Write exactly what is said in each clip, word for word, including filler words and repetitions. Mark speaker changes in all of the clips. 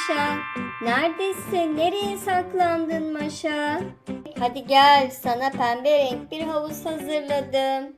Speaker 1: Maşa. Neredesin? Nereye saklandın Maşa? Hadi gel, sana pembe renk bir havuz hazırladım.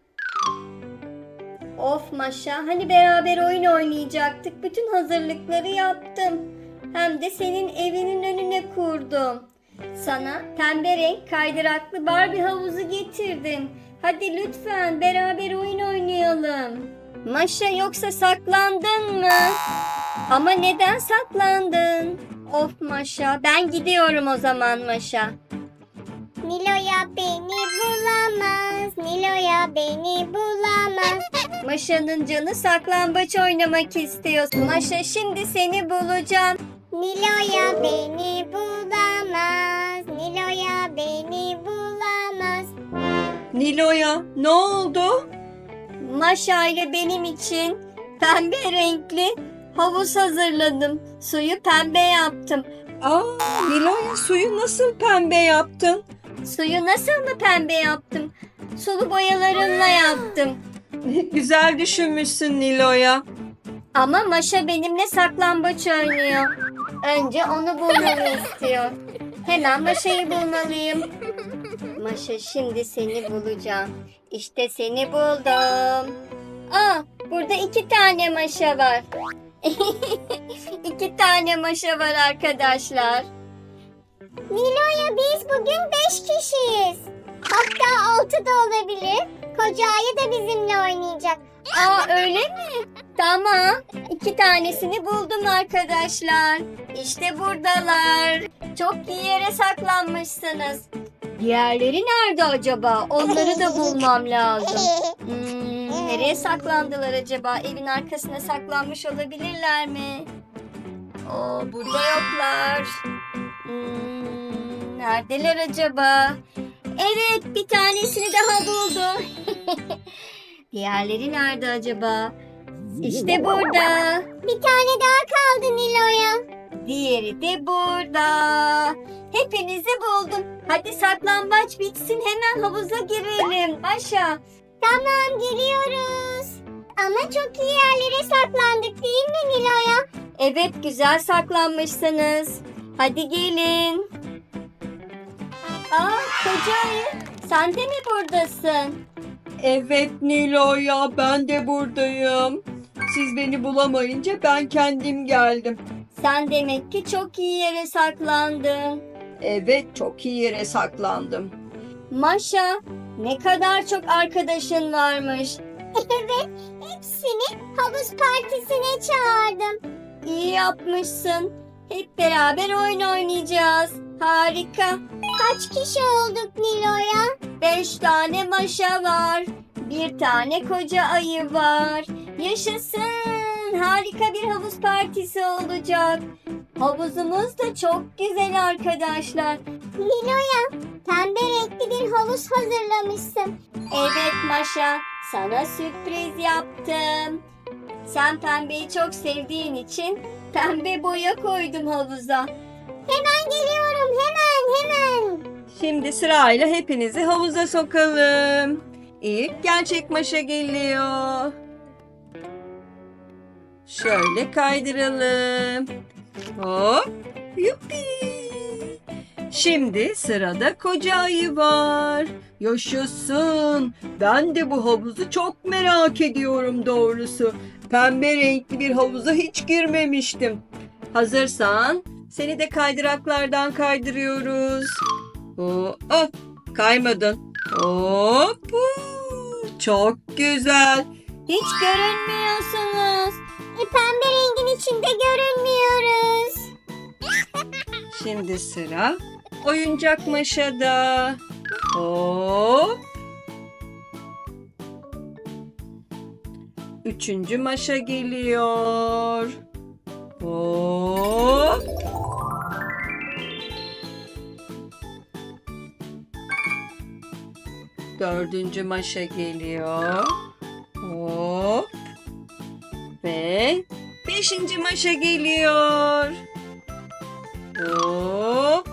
Speaker 1: Of Maşa, hani beraber oyun oynayacaktık. Bütün hazırlıkları yaptım. Hem de senin evinin önüne kurdum. Sana pembe renk kaydıraklı Barbie havuzu getirdim. Hadi lütfen beraber oyun oynayalım. Maşa, yoksa saklandın mı? Ama neden saklandın? Of Maşa, ben gidiyorum o zaman Maşa.
Speaker 2: Nilo'ya beni bulamaz, Nilo'ya beni bulamaz.
Speaker 1: Maşa'nın canı saklambaç oynamak istiyor. Maşa, şimdi seni bulacağım.
Speaker 2: Nilo'ya beni bulamaz, Nilo'ya beni bulamaz.
Speaker 3: Nilo'ya ne oldu?
Speaker 1: Maşa ile benim için pembe renkli havuz hazırladım. Suyu pembe yaptım.
Speaker 3: Aa, Nilo'ya suyu nasıl pembe yaptın?
Speaker 1: Suyu nasıl mı pembe yaptım? Sulu boyalarımla yaptım.
Speaker 3: Güzel düşünmüşsün Nilo'ya.
Speaker 1: Ama Maşa benimle saklambaç oynuyor. Önce onu bulmamı istiyor. Hemen Maşa'yı bulmalıyım. Maşa, şimdi seni bulacağım. İşte seni buldum. Aa, burada iki tane Maşa var. İki tane Maşa var arkadaşlar.
Speaker 2: Nilo'ya biz bugün beş kişiyiz. Hatta altı da olabilir. Koca ayı da bizimle oynayacak.
Speaker 1: Aa, öyle mi? Tamam. İki tanesini buldum arkadaşlar. İşte buradalar. Çok iyi yere saklanmışsınız. Diğerleri nerede acaba? Onları da bulmam lazım. Hmm, nereye saklandılar acaba? Evin arkasına saklanmış olabilirler mi? Oo, burada yoklar. Hmm, neredeler acaba? Evet, bir tanesini daha buldum. Diğerleri nerede acaba? İşte burada.
Speaker 2: Bir tane daha kaldı Nilo'ya.
Speaker 1: Diğeri de burada. Hepinizi buldum. Hadi saklambaç bitsin, hemen havuza girelim. Maşa.
Speaker 2: Tamam, geliyoruz. Ama çok iyi yerlere saklandık değil mi Nilo'ya?
Speaker 1: Evet, güzel saklanmışsınız. Hadi gelin. Aa, koca ayı, sen de mi buradasın?
Speaker 3: Evet Nilo'ya, ben de buradayım. Siz beni bulamayınca ben kendim geldim.
Speaker 1: Sen demek ki çok iyi yere saklandın.
Speaker 3: Evet, çok iyi yere saklandım.
Speaker 1: Maşa, ne kadar çok arkadaşın varmış.
Speaker 2: Evet, hepsini havuz partisine çağırdım.
Speaker 1: İyi yapmışsın. Hep beraber oyun oynayacağız. Harika.
Speaker 2: Kaç kişi olduk Nilo'ya?
Speaker 1: Beş tane Maşa var. Bir tane koca ayı var. Yaşasın. Harika bir havuz partisi olacak. Havuzumuz da çok güzel arkadaşlar.
Speaker 2: Nilo'ya, pembe renkli bir havuz hazırlamışsın.
Speaker 1: Evet Maşa, sana sürpriz yaptım. Sen pembeyi çok sevdiğin için pembe boya koydum havuza.
Speaker 2: Hemen geliyorum, hemen, hemen.
Speaker 3: Şimdi sırayla hepinizi havuza sokalım. İlk gerçek Maşa geliyor. Şöyle kaydıralım. Hop, yuppi. Şimdi sırada koca ayı var. Yaşasın. Ben de bu havuzu çok merak ediyorum doğrusu. Pembe renkli bir havuza hiç girmemiştim. Hazırsan seni de kaydıraklardan kaydırıyoruz. Oo, oh, kaymadın. Hop. Çok güzel.
Speaker 1: Hiç görünmüyorsunuz.
Speaker 2: E, pembe rengin içinde görünmüyoruz.
Speaker 3: Şimdi sıra oyuncak Maşa'da. Hop. Üçüncü Maşa geliyor. Hop. Dördüncü Maşa geliyor. Hop. Ve beşinci Maşa geliyor. Hop.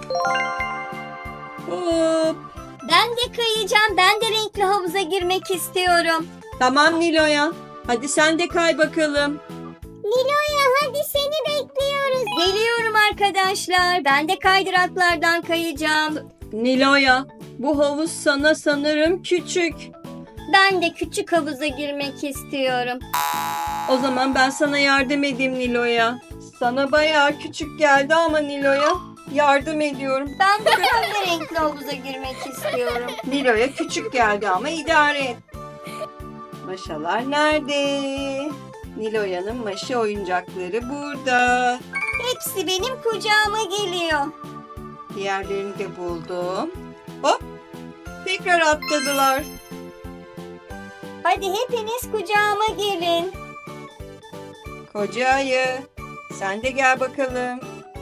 Speaker 3: Hop.
Speaker 1: Ben de kayacağım. Ben de renkli havuza girmek istiyorum.
Speaker 3: Tamam Nilo'ya. Hadi sen de kay bakalım.
Speaker 2: Nilo'ya hadi seni bekliyoruz.
Speaker 1: Geliyorum arkadaşlar. Ben de kaydıraklardan kayacağım.
Speaker 3: Nilo'ya, bu havuz sana sanırım küçük.
Speaker 1: Ben de küçük havuza girmek istiyorum.
Speaker 3: O zaman ben sana yardım edeyim Nilo'ya. Sana bayağı küçük geldi ama Nilo'ya yardım ediyorum.
Speaker 1: Ben de pembe renkli havuza girmek istiyorum.
Speaker 3: Nilo'ya küçük geldi ama idare et. Maşalar nerede? Nilo'yanın maşa oyuncakları burada.
Speaker 1: Hepsi benim kucağıma geliyor.
Speaker 3: Diğerlerini de buldum. Hop! Tekrar atladılar.
Speaker 1: Hadi hepiniz kucağıma gelin.
Speaker 3: Koca ayı, sen de gel bakalım.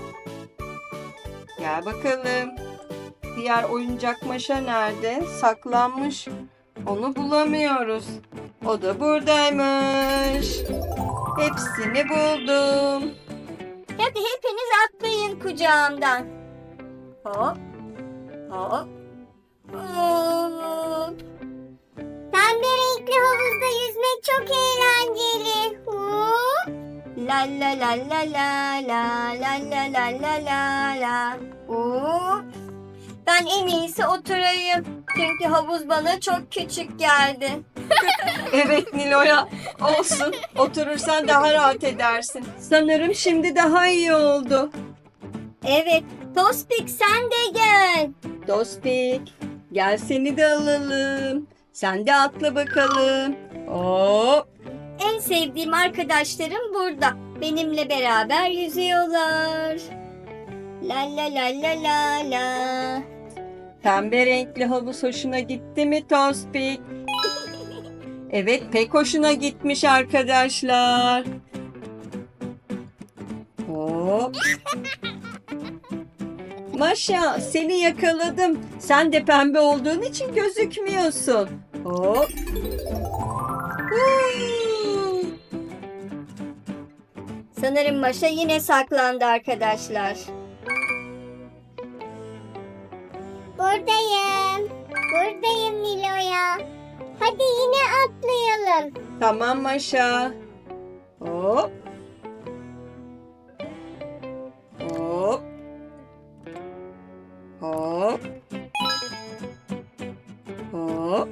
Speaker 3: Gel bakalım. Diğer oyuncak maşa nerede? Saklanmış. Onu bulamıyoruz. O da buradaymış. Hepsini buldum.
Speaker 1: Hadi hepiniz atlayın kucağımdan. Hop. Hop. Hop.
Speaker 2: Pembe renkli havuzda yüzmek çok eğlenceli. Hop.
Speaker 1: La la la la la la la la la la la la. Hop. Ben en iyisi oturayım. Çünkü havuz bana çok küçük geldi.
Speaker 3: Evet Nilo'ya, olsun. Oturursan daha rahat edersin. Sanırım şimdi daha iyi oldu.
Speaker 1: Evet, Tospik sen de gel.
Speaker 3: Dostik, gel seni de alalım. Sen de atla bakalım. Hop.
Speaker 1: En sevdiğim arkadaşlarım burada. Benimle beraber yüzüyorlar. La la la la la la.
Speaker 3: Pembe renkli havuz hoşuna gitti mi Tospik? Evet, pek hoşuna gitmiş arkadaşlar. Hop. Maşa, seni yakaladım. Sen de pembe olduğun için gözükmüyorsun. Hop. Huu.
Speaker 1: Sanırım Maşa yine saklandı arkadaşlar.
Speaker 2: Buradayım. Buradayım Nilo'ya. Hadi yine atlayalım.
Speaker 3: Tamam Maşa. Hop. Hop. Hop. Hop.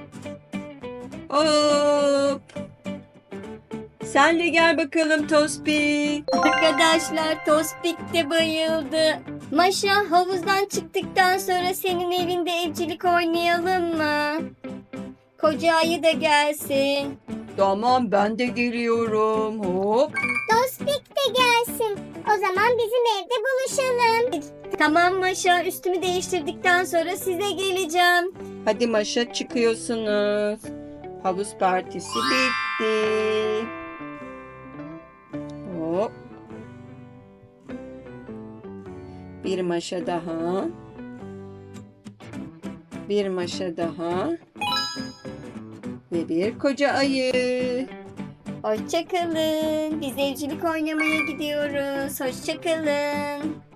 Speaker 3: Hop. Sen de gel bakalım Tospik.
Speaker 1: Arkadaşlar Tospik de bayıldı. Maşa havuzdan çıktıktan sonra senin evinde evcilik oynayalım mı? Koca ayı da gelsin.
Speaker 3: Tamam, ben de geliyorum. Hop.
Speaker 2: Tospik de gelsin. O zaman bizim evde buluşalım.
Speaker 1: Tamam Maşa, üstümü değiştirdikten sonra size geleceğim.
Speaker 3: Hadi Maşa, çıkıyorsunuz. Havuz partisi bitti. Hop. Bir maşa daha. Bir maşa daha. Ve bir koca ayı.
Speaker 1: Hoşçakalın. Biz evcilik oynamaya gidiyoruz. Hoşçakalın.